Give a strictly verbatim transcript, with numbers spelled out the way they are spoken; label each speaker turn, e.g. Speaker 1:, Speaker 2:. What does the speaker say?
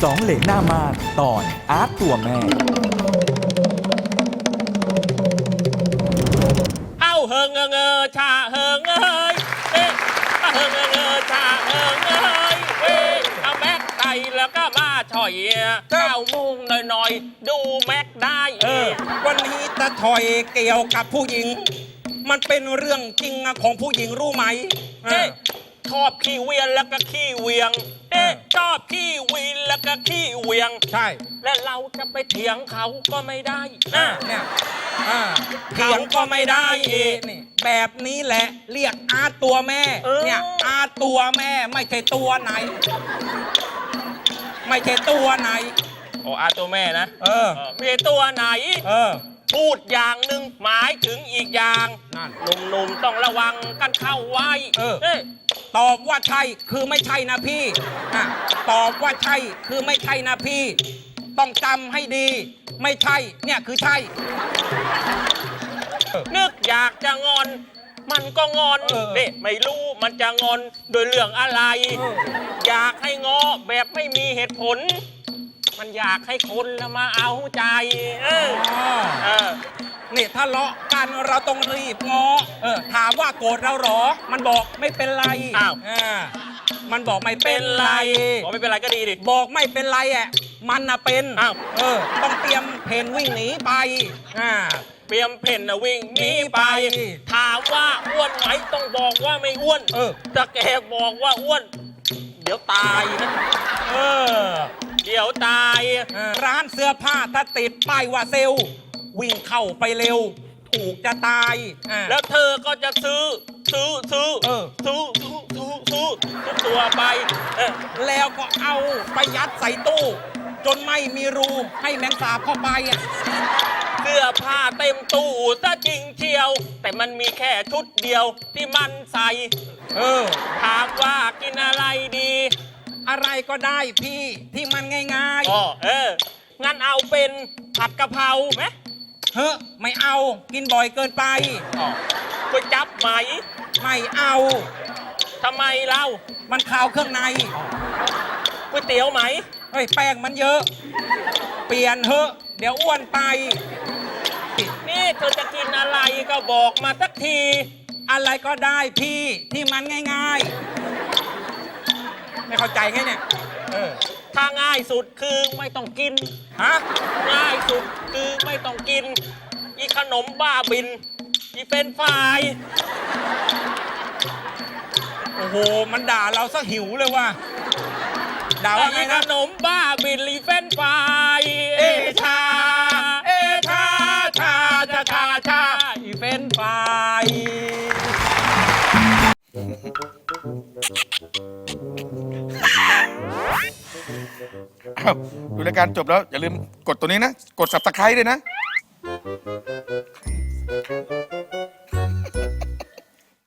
Speaker 1: สองเหลนหน้ามานตอนอาร์ตตัวแม่
Speaker 2: เอาเฮิงเงอเงอชาเฮิงเอ้ยเอ๊ะเฮิงเงอเงอชาเฮิงเอ้ยเอ๊ะเอาแม็กไตแล้วก็มาช่อยเก้าโมงหน่อยๆดูแม็กได้เออ
Speaker 3: วันนี้ตะถอยเกี่ยวกับผู้หญิงมันเป็นเรื่องจริงของผู้หญิงรู้ไหม
Speaker 2: เอ๊ะชอบขี้เวียนแล้วก็ขี้เวียงเอ๊ะชอบขี้วีนแล้วก็ขี้เวียง
Speaker 3: ใช่
Speaker 2: และเราจะไปเถียงเขาก็ไม่ได้
Speaker 3: นะเนี่ยเถียงก็ไม่ได้นี่แบบนี้แหละเรียกอาตัวแม่เนี่ยอาตัวแม่ไม่ใช่ตัวไหนไม่ใช่ตัวไหน
Speaker 2: โอ้อาตัวแม่นะ
Speaker 3: เออ
Speaker 2: ไม่ใช่ตัวไหน
Speaker 3: เออ
Speaker 2: พูดอย่างหนึ่งหมายถึงอีกอย่างหนุ่มๆต้องระวังกันเข้าไว้
Speaker 3: เออตอบว่าใช่คือไม่ใช่นะพี่ตอบว่าใช่คือไม่ใช่นะพี่ต้องจำให้ดีไม่ใช่เนี่ยคือใช่
Speaker 2: นึกอยากจะงอนมันก็งอนเด็ไม่รู้มันจะงอนโดยเรื่องอะไรอยากให้งอแบบไม่มีเหตุผลมันอยากให้คนละมาเอาใจเออเออ
Speaker 3: นี่ทะเลาะกันเราต้องรีบง้อเออถามว่าโกรธเราหรอมันบอกไม่เป็นไร
Speaker 2: อ้าว
Speaker 3: มันบอกไม่เป็นไร
Speaker 2: บอกไม่เป็นไรก็ดีดิ
Speaker 3: บอกไม่เป็นไรอ่ะมันน่ะเป็น
Speaker 2: อ้าว
Speaker 3: เออต้องเตรียมเพนวิ่งหนีไปอ่า
Speaker 2: เตรียมเพนนะวิ่งหนีไปถามว่าอ้วนไหมต้องบอกว่าไม่อ้วน
Speaker 3: เออ
Speaker 2: จะแกบอกว่าอ้วนเดี๋ยวตายนะ
Speaker 3: เออ
Speaker 2: เดี๋ยวตาย
Speaker 3: ร้านเสื้อผ้าถ้าติดป้ายว่าเซลวิ่งเข้าไปเร็วถูกจะตาย
Speaker 2: แล้วเธอก็จะซื้อซื้อซื้อซื้อซื้อซื้อซื้อทุกตัวไป
Speaker 3: แล้วก็เอาไปยัดใส่ตู้จนไม่มีรูให้แมงสาบเข้าไปอ่ะ
Speaker 2: เสื้อผ้าเต็มตู้ซะจริงเชียวแต่มันมีแค่ชุดเดียวที่มันใส่
Speaker 3: เออ
Speaker 2: ถามว่ากินอะไรดี
Speaker 3: อะไรก็ได้พี่ที่มันง่าย
Speaker 2: ๆอ๋อเอองั้นเอาเป็นผัดกะเพราไหม
Speaker 3: เฮ้ไม่เอากินบ่อยเกินไป
Speaker 2: อ๋อก๋วยจั๊บไหม
Speaker 3: ไม่เอา
Speaker 2: ทำไมเล่า
Speaker 3: มันขาวเครื่องใน
Speaker 2: ก๋วยเตี๋ยวไหม
Speaker 3: เฮ้ยแป้งมันเยอะเปลี่ยนเถอะเดี๋ยวอ้วนไป
Speaker 2: นี่เธอจะกินอะไรก็บอกมาสักที
Speaker 3: อะไรก็ได้พี่ที่มันง่ายๆไม่เข้าใจไงเนี่ย
Speaker 2: เออถ้าง่ายสุดคือไม่ต้องกิน
Speaker 3: ฮะ
Speaker 2: ง่ายสุดคือไม่ต้องกินอีขนมบ้าบินอีเป็นฝ่าย
Speaker 3: โอ้โหมันด่าเราซะหิวเลยว่ะด่าว่าไงนะ
Speaker 2: ขนมบ้าบินอีเป็นฝ่าย
Speaker 3: เอชาเอชาชาชาชาชาอีเป็นฝ่าย
Speaker 4: ดูรายการจบแล้วอย่าลืมกดตัวนี้นะกด ซับสไครบ์ ด้วยนะ